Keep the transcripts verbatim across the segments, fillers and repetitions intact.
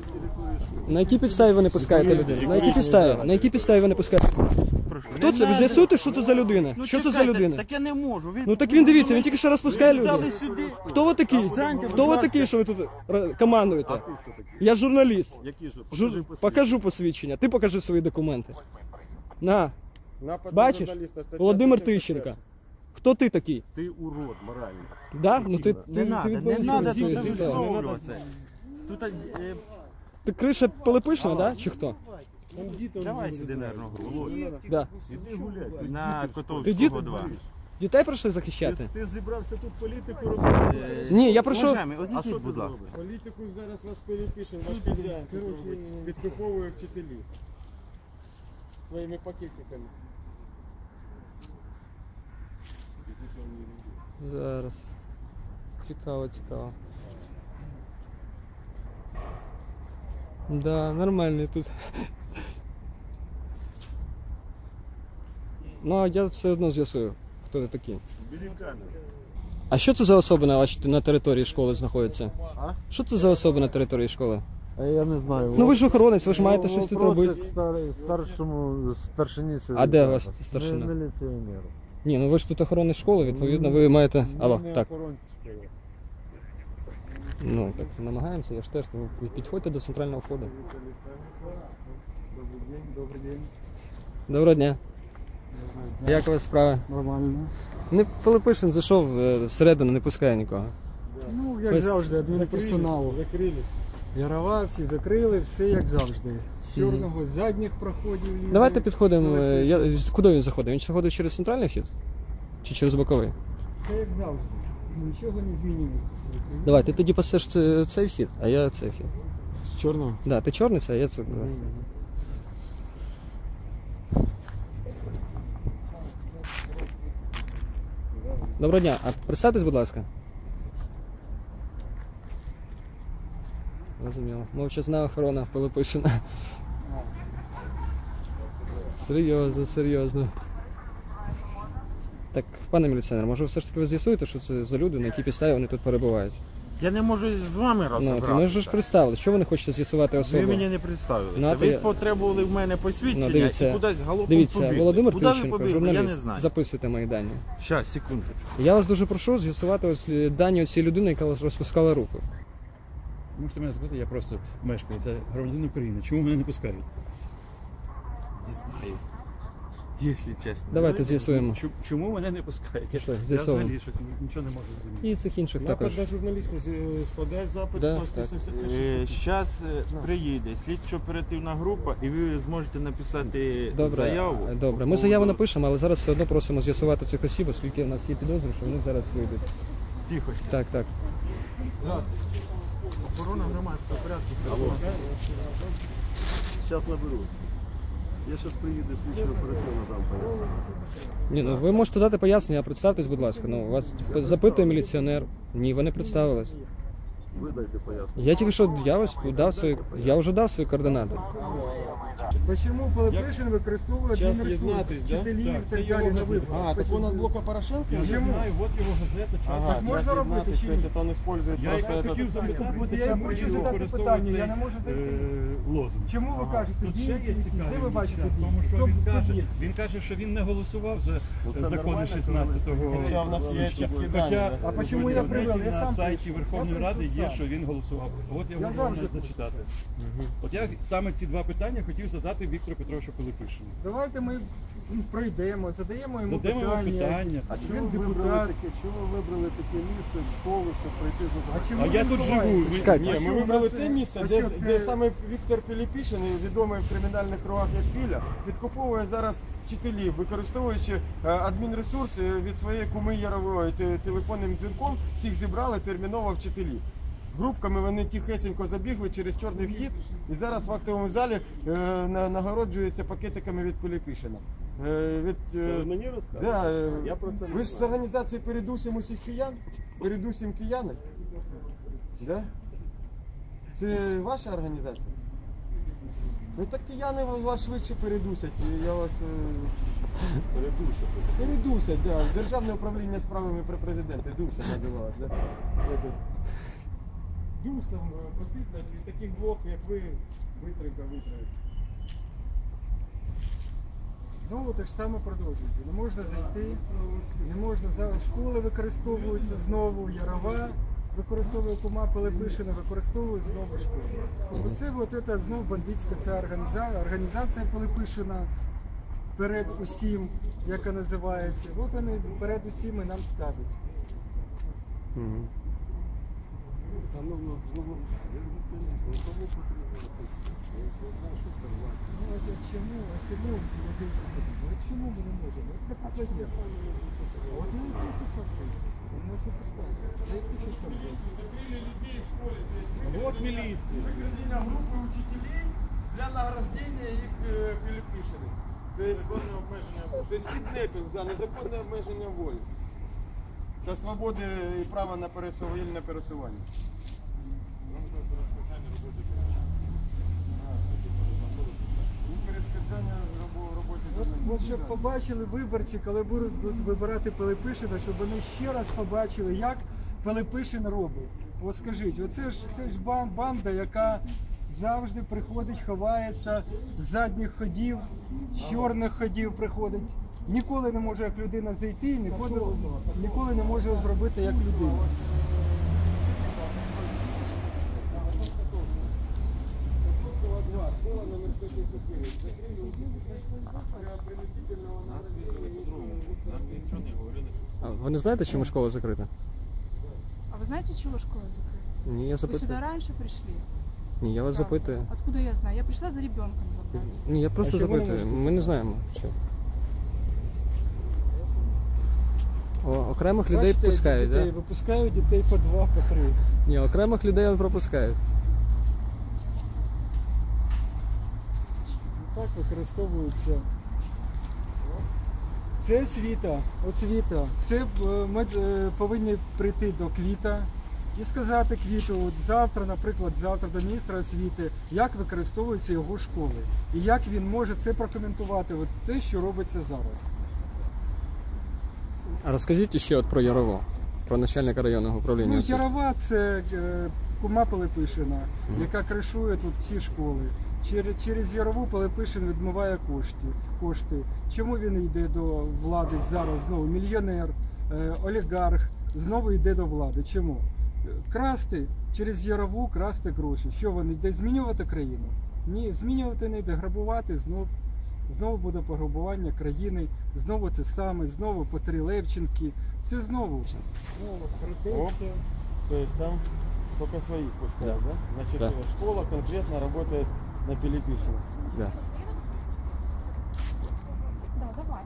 На якій підставі ви не пускаєте людину? На якій підставі? На якій підставі ви не пускаєте? Хто це? Ви з'ясуєте, що це за людина? Що це за людина? Так я не можу. Ви... Ну так він, дивіться, він тільки що розпускає людей. Сюди. Хто ви такий? Хто ви такий, що ви тут командуєте? Я журналіст. Жур... Покажу посвідчення. Ти покажи свої документи. На. Бачиш? Володимир Тищенко. Хто ти такий? Ти урод моральний. Да? Ну ти, Не ти, надо, ти, не надо тут ти, висловлюватися. Тут, е, ти криша Пилипишина, да? Чи хто? давай сюди, наверное, гру. Да. Іди гуляй. На Ти Котовського дід? два. Дітей прийшли захищати? Ти, ти зібрався тут політику робити? Ні, я прийшов... Уважаємо, от А що ідіть, ти будь ласка. зробиш? Політику зараз вас Пилипишин, ваш хазяїн, підкуповує вчителів своїми пакетиками. Зараз. Цікаво, цікаво. Да, нормальний тут. Ну, а я все одно з'ясую, хто ви такі. Бери камеру. А що це за особи на вашій на території школи знаходяться? А? Що це за особи на території школи? А я не знаю. Ну ви ж охоронець, ви ж маєте щось тут робити. Стар, старшому старшині А де ваш старшина? Міліціонер. Ні, ну ви ж тут охоронець школи, відповідно, ви маєте... Алло, так. Ну, так, намагаємося, я ж теж, ви підходьте до центрального входу. Добрий день, добрий день. Доброго дня. Як у вас справи? Нормально. Не Пилипишин зайшов е, всередину, не пускає нікого. Ну, як Ось- завжди, адмінперсоналу. Закрились. Ярова, всі закрили, все як завжди. З чорного, з задніх проходів лізе. Давайте підходимо. е, Я, Пилипишин. куди він заходить? Він заходить через центральний вхід? Чи через боковий? Все як завжди. Нічого не змінюється. Все. Давай, ти тоді пасеш це- цей вхід, а я цей вхід. З чорного? Да, ти чорний, це, а я це. Да. Доброго дня, а представтесь, будь ласка. Розуміло. Мовчазна охорона Пилипишина. Серйозно, серйозно. Так, пане міліціонер, може все ж таки ви з'ясуєте, що це за люди, на якій підставі вони тут перебувають? Я не можу з вами Ну, то ми ж розібратися. представили, що ви не хочете з'ясувати особу? Ви мені не представилися. Ну, а ви ти- потребували в мене посвідчення Ну, дивіться, і кудись галопом Дивіться, побігли. Володимир Куди ви Тищенко, побігли, я не журналіст, знаю. записуйте мої дані. Щас, секундочку. Я вас дуже прошу з'ясувати ось дані цієї людини, яка розпускала руку. Можете мене запитати, я просто мешкаю, це громадянин України. Чому мене не пускають? Не знаю. Якщо чесно. Давайте з'ясуємо. Чому, чому мене не пускають? Я, Пішли, я з'ясовуємо. взагалі щось нічого не можу зрозуміти. І цих інших Напад також. на журналіста складає запит Да, по сто сімдесят шість. Зараз приїде слідчо-оперативна група і ви зможете написати Добре, заяву. добре. Ми заяву напишемо, але зараз все одно просимо з'ясувати цих осіб, оскільки у нас є підозри, що вони зараз вийдуть. Тихо. Так, так. Охорона громадського порядку. Зараз наберу. Я зараз приїду слідчо оперативно там поясню. Ні, ну ви можете дати пояснення, а представтесь, будь ласка. Ну, вас запитує міліціонер. Ні, ви не представились. Ви дайте пояснення. Я тільки що я ось дав свої, я вже дав свої координати. Чому Пилипишин використовує Час адмінресурс, єднатись, да? вчителів Так, і це так його далі на газета. виборах? А, так он от блока Порошенка? Я не Чому? знаю, от його газета, час. Ага, Так можна час робити єднатись, чи ні? то есть он использует Я просто якраз этот... хотів запитати, От я чому хочу він задати використовує питання, я цей, не можу знайти. е, лозунг. Чому ви кажете, Тут ще є дії, цікаві де ви бачите дівчата, дії? тому що Хто він хто каже, б'ється? він каже, що він не голосував за це закони нормально, шістнадцятого Хоча в нас є січня. чіткі Хоча дані, да? А почему я в привел? Я на сам сайті прийшов. Верховної Я Ради прийшов є, сам. що він голосував. От я Я можу завжди вам зачитати. От я саме ці два питання хотів задати Віктору Петровичу Пилипишину. Давайте ми пройдемо, задаємо йому Задаємо йому питання. питання. А Він чому ви вибрали депутат. таке, чому ви вибрали таке місце в школу, щоб прийти за А чому А ви я тут ховаєтесь? живу. ви- Чекайте. Ні, А ми що у вибрали нас, те е, місце, а де, що це- де саме Віктор Пилипишин, відомий в кримінальних кругах як Піля, підкуповує зараз вчителів, використовуючи е, адмінресурс е, від своєї куми Ярової те- телефонним дзвінком, всіх зібрали терміново вчителів. Групками вони тихесенько забігли через чорний вхід і зараз в актовому залі е, на- нагороджуються пакетиками від Пилипишина. Е, від, е, Це ви мені розказуєте? да, е, Я про це не ви ж з знаю. організації «Передусім усіх киян», «Передусім кияни». Да? Це ваша організація? Ну так кияни вас швидше передусять. і Я вас е, Передушу. передусять, да. Державне управління справами при президенті. ДУСя називалось, да? Это. дюстом посипляти, і таких двох, як ви, бистренько витравити. Знову те ж саме продовжується. Не можна зайти, не можна зараз школи використовуються знову, Ярова використовує кума Пилипишина, використовують знову школи. Оце от це знову бандитська ця організація, організація Пилипишина перед усім, яка називається. От вони перед усім і нам скажуть. Мгм. Ну, а чому, а чому не зайти туди? От чому ми не можемо? От така проблема. От я і пишу сам тут. Можна пускати. Я і пишу сам зайти. Вот милиция. Выкрадение группы учителей для награждения их э, Пилипишиных. То есть, то есть киднепінг за незаконне обмеження волі та свободи і права на пересування, вільне пересування. Перешкоджання роботи. От, от щоб побачили виборці, коли будуть вибирати Пилипишина, щоб вони ще раз побачили, як Пилипишин робить. От скажіть, оце ж це ж бан- банда, яка завжди приходить, ховається з задніх ходів, з чорних ходів приходить. Ніколи не може як людина зайти, ніколи, ніколи не може зробити як людина. А ви не знаєте, чому школа закрита? А вы знаете, чего школа закрыта? Ні, я Вы сюда запитую. раньше пришли? Ні, я вас Правда. запитую. Откуда я знаю? Я пришла за ребенком забрать. Ні, я просто А чому не запитую. можете Ми не знаємо. Що. О, окремих людей Бачите, пускають, дітей, так? Да? випускають дітей по два, по три. Ні, окремих людей он пропускають. Так використовуються. Це освіта, освіта. Це е, ми е, повинні прийти до Квіта і сказати Квіту, от завтра, наприклад, завтра до міністра освіти, як використовуються його школи. І як він може це прокоментувати, от це, що робиться зараз. А розкажіть ще от про Ярову, про начальника районного управління Ну, освіти. Ярова це е, кума Пилипишина, Мгм. яка кришує тут всі школи. Через, через Ярову Пилипишин відмиває кошти. кошти. Чому він йде до влади зараз знову? Мільйонер, е, олігарх, знову йде до влади. Чому? Е, Красти через Ярову, красти гроші. Що вони йде змінювати країну? Ні, змінювати не йде, грабувати знов. Знову буде пограбування країни, знову це саме, знову по три Левченки. Це знову. Знову прийдеться. То есть там только своих пускают, да? Значит, Да. школа конкретно работает на Пилипишина. Да. Да, давай.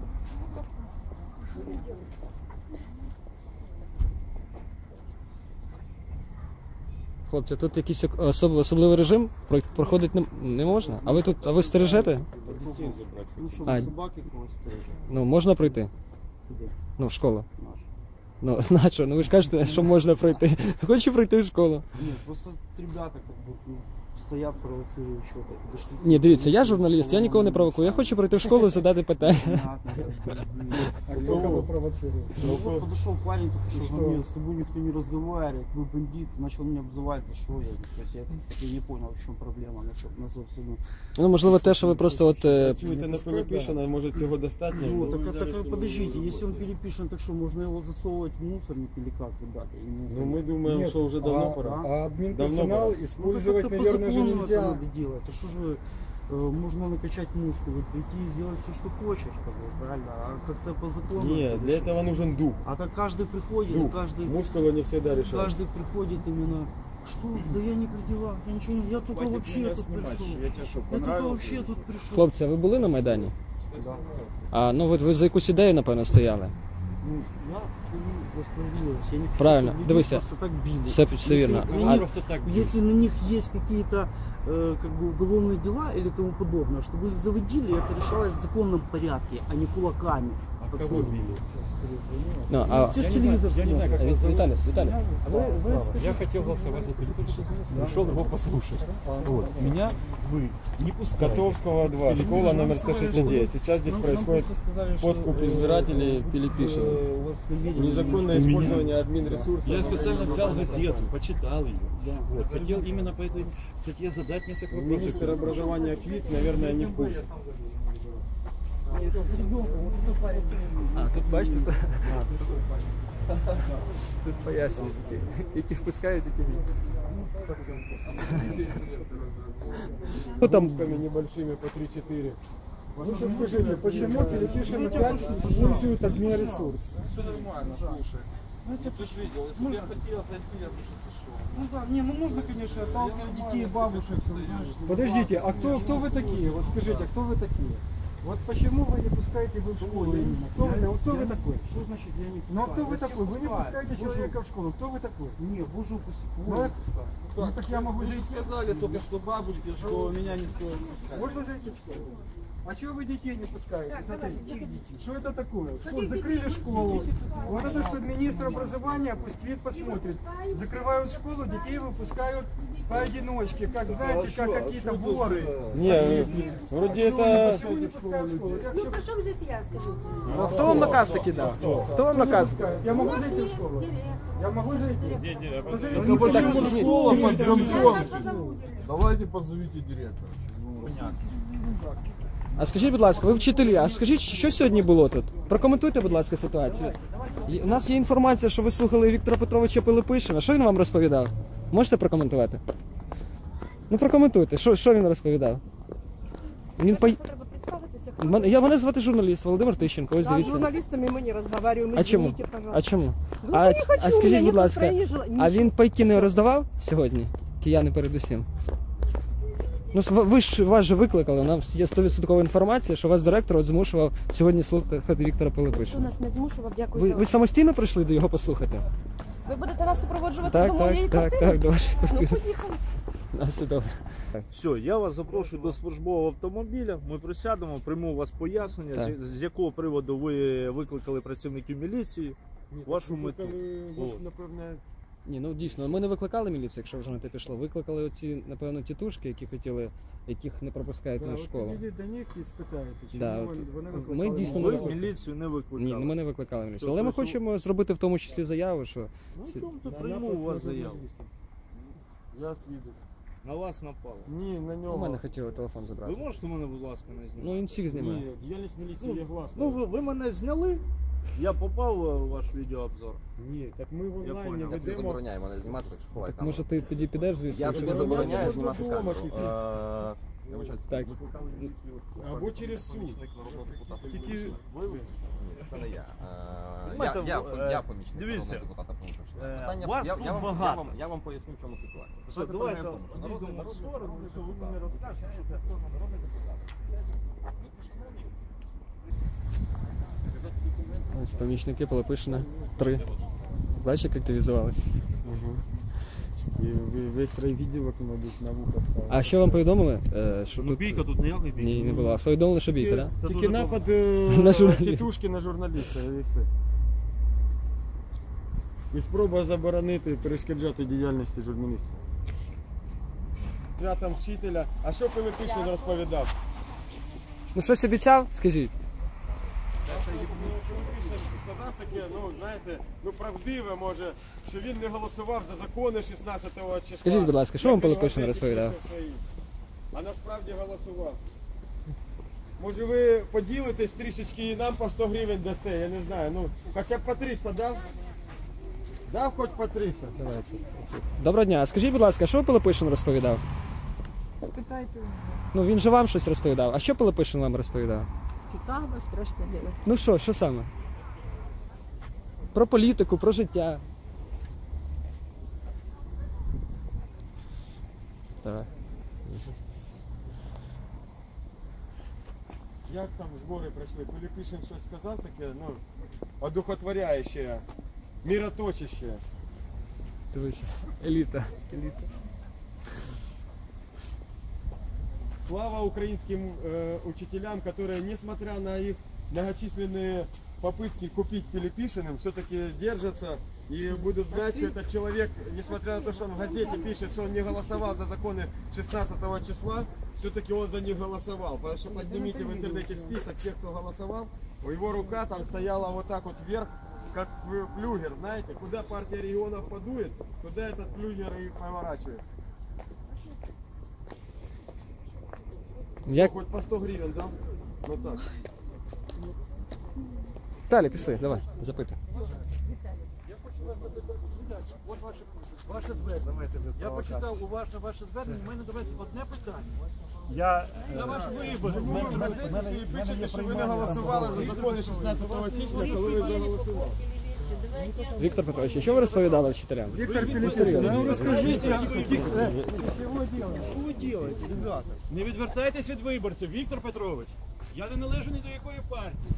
Хлопці, тут якийсь особ- особливий режим Про- проходить не, не можна? А ви тут, а ви стережете? Ну що, А. за собаки когось стережуть? Ну, можна пройти? Куди? Ну, в школу. Наш. Ну, на що? Ну ви ж кажете, що можна пройти. Хочу пройти в школу. Нет, просто ребята как бы ну, стоят, провоцируют что-то. Подошли. Ні, дивіться, я журналіст, я нікого не провокую. Я хочу пройти в школу і задати питання. Понятно, как бы, блин. А хто кого провоцирує? Ну вот подошел парень, только И что что? звонил, с тобой никто не разговаривает, вы бандит, начал меня обзывать, за что я, то есть я, я не понял, в чем проблема, на, со- на собственно. Ну, можливо, те, що ви просто от. е, Працюєте на Пилипишина, може цього достатньо? Ну, так, а- так а подождите, если он перепишен, так что, можно его засовывать в мусорник или как, ребята? Я не Ну, ми понял. думаємо, Нет, що вже давно а, пора. А Давно админперсонал пора. Ну, использовать, так это наверное, по же закону это нельзя. надо делать. А что же э, можно накачать мускулы, прийти и сделать все, что хочешь, как бы, правильно? А как-то по закону. Ні, это для решить. этого нужен дух. А так каждый приходит, Дух. каждый, Мускулы не всегда решают. каждый приходит именно. Что? Да я не при делах, я ничего не. Я только вообще тут пришел. Я только вообще тут пришел. Хлопці, а ви були на Майдані? Да. А ну от ви за якусь ідею, напевно, стояли. Ну, я стою за справедливость. Я не хочу, Правильно. чтобы людей Дивися. просто так били. Все, все Если вірно. на А, них- Просто так. Если на них есть какие-то э, как бы уголовные дела или тому подобное, чтобы их заводили, это решалось в законном порядке, а не кулаками. А Кого пацаны. били? Ну, а, Все ж телевизор Я не знаю, как а, вас зовут. Виталий, Виталий, а вы, вы Слава, скажите, я хотел голосовать за Пилипишина. Пришел его послушать. Вот. Меня вы не пускаете. Котовского два, школа номер сто шестьдесят девять. Сейчас здесь происходит подкуп избирателей Пилипишина. Незаконное использование админресурсов. Я специально взял газету, почитал ее. Вот. Хотел именно по этой статье задать несколько вопросов. Министр образования Квит, наверное, не в курсе. А, тут бачите, тут, тут пояснюють, які, які впускають, які ні. Хто там? Руками небольшими по три-четыре. Вы сейчас скажите, почему Пилипишин опять использует админресурс? Ну да, не, ну можно, конечно, отталкивать детей, бабушек, знаешь. Подождите, а кто, кто вы такие? Вот скажите, а кто вы такие? Вот почему вы не пускаете его в школу именно? Кто вы, вот кто вы такой? Что значит я не пускаю? Ну а кто вы Я такой? всех Вы не пускаю. пускаете Боже, человека в школу. Кто вы такой? Не, боже упаси. Ну, Ой, это- Ну так я могу зайти. Сказали только что бабушке, что меня не стоит пускать. Можно зайти в школу? А чего вы детей не пускаете? Смотрите, что это такое? Что, закрыли школу. Вот это что министр образования, пусть Квит посмотрит. Закрывают школу, детей выпускают поодиночке, как знаете, как какие-то воры. Не, вроде это... Почему не пускают в школу? Я Ну всё- при чем здесь я, скажу? А хто вам наказ таки дав? Хто вам наказ? Я У могу нас зайти в есть школу? директор. Я могу зайти? Директор. Позовите Ну, меня. почему так, школа нет, под нет, замком? Сейчас позову директора. Давайте позовите директора. А скажіть, будь ласка, ви вчителі, а скажіть, що сьогодні було тут? Прокоментуйте, будь ласка, ситуацію. Є- У нас є інформація, що ви слухали Віктора Петровича Пилипишина. Що він вам розповідав? Можете прокоментувати? Ну прокоментуйте, що, що він розповідав? Він по... Треба представитися. хто Мен- Я мене звати журналіст Володимир Тищенко, ось Да, с дивіться. журналистами мы не разговариваем, А чому? извините, А пожалуйста. чому? Ну, А, не хочу, а у меня скажіть, будь нет ласка, настроения, жела- а він пайки не роздавав сьогодні? Кияни передусім. Ну, с- ви ж вас же викликали, у нас є сто відсоткова інформація, що вас директор от змушував сьогодні слухати Віктора Хто Пилипишина. нас не змушував, дякую Ви, за ви самостійно прийшли до його послухати? Ви будете нас супроводжувати Так, до моєї так, так, квартири? так, до вашої Ну, квартири. поїхали. На все добре. Все, я вас запрошую до службового автомобіля. Ми присядемо, прийму у вас пояснення, Так. з, з якого приводу ви викликали працівників міліції. Вашу мету. От. Напевне, Ні, ну дійсно, ми не викликали міліцію, якщо вже на те пішло. Викликали оці, напевно, тітушки, які хотіли, яких не пропускають Да, на от школу. підійдіть до них і спитаєте, чому Да, вони, от вони ми викликали дійсно мене. Ви викликали. міліцію не викликали. Ні, ну ми не викликали міліцію. Все, Але ми прошу. хочемо зробити в тому числі заяву, що Ну, ці- то на прийму напад у вас на заяву. журналіста. Я свідок. На вас напало. Ні, на у нього. мене хотіли телефон Ви забрати. можете мене, будь ласка, не зняти? Ну він всіх знімає. Ні, діяльність міліції є гласна. Ну, ви, ви мене зняли, я попав у ваш відеообзор. Ні, так ми в онлайні понял. Я тобі ведемо. забороняю мене знімати, так що ховай Так камеру. може ти тоді підеш звідси? Я Чи тобі ні? забороняю Я знімати вдома камеру. тільки. Е, я вибачаюсь, Так. викликали міліцію. Або через суд. Тільки Ні, це не я. Е, Знаєте, Я, я, е, я помічник дивіться, народного депутата Пункашина. е, Питання, вас я, тут я, вам, я, багато. вам, я вам поясню, в чому ситуація. Все, Ситуація давайте полягає в тому, що народний, йдемо в народний, сторону, народний що ви депутат. мені розкажете, що це хто народний депутат. Ось помічники Пилипишина. Три. Бачиш, як активізувалися? Угу. І ви- весь райвідділок, мабуть, на вухах. А що вам повідомили? Е, що Ну тут... бійка тут ніякої бійки. Ні, не було. А повідомили, що бійка, так? Да? Це Тільки дуже напад е, На журналіста. тітушки на журналіста і все. І спроба заборонити, перешкоджати діяльності журналістів. Святом вчителя. А що Пилипишин розповідав? Ну щось обіцяв, скажіть. Сказав таке, ну знаєте, ну правдиве може, що він не голосував за закони шістнадцятого числа. Скажіть, будь ласка, що Як вам він в Пилипишин газеті розповідав? пише в своїй. А насправді голосував. Може ви поділитесь трішечки і нам по сто гривень дасте, я не знаю, ну хоча б по триста дав? Дав хоч по триста? Давайте. Доброго дня. А скажіть, будь ласка, що Пилипишин розповідав? Спитайте. Ну він же вам щось розповідав. А що Пилипишин вам розповідав? Цікаво, страшно діло. Ну що, що саме? Про політику, про життя. Давай. Як там збори пройшли? Пилипишин щось сказав таке, ну, одухотворяюче, мироточище. Дивися. Еліта. Еліта. Слава украинским э, учителям, которые, несмотря на их многочисленные попытки купить Пилипишиным все-таки держатся и будут знать, что этот человек, несмотря на то, что он в газете пишет, что он не голосовал за законы шестнадцатого числа, все-таки он за них голосовал. Потому что поднимите в интернете список тех, кто голосовал, у его рука там стояла вот так вот вверх, как флюгер, знаете, куда партия регионов подует, туда этот флюгер и поворачивается. Я... Хоть по сто гривен, да? Вот так. Далі, пішли, давай, запитуй. От ваше, ваше звернення. Я почитав уважно ваше звернення, у мене до вас одне питання. Я На ваш вибір. В газеті пишете, що ви не голосували за закони шістнадцятого січня, коли ви заголосували. Віктор Петрович, що ви розповідали вчителям? Віктор Пилипишин, ну розкажіть, Що ви робите, ребята? Не відвертайтесь від виборців, Віктор Петрович. Я не належу ні до якої партії.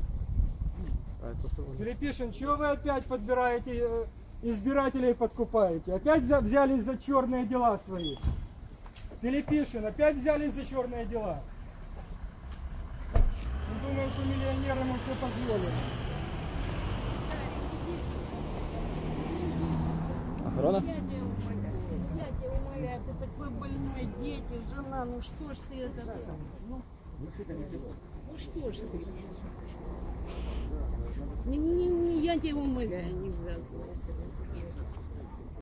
Пилипишин, чего вы опять подбираете, э, избирателей подкупаете? Опять взя- взялись за черные дела свои? Пилипишин, опять взялись за черные дела? Он думает, что миллионерам ему все позволено. Охорона? Я тебя умоляю, я тебя умоляю, ты такой больной, дети, жена, ну что ж ты это сам? Ну, ну что ж ты? Не, не, не, я тебя умоляю, не ввязывайся.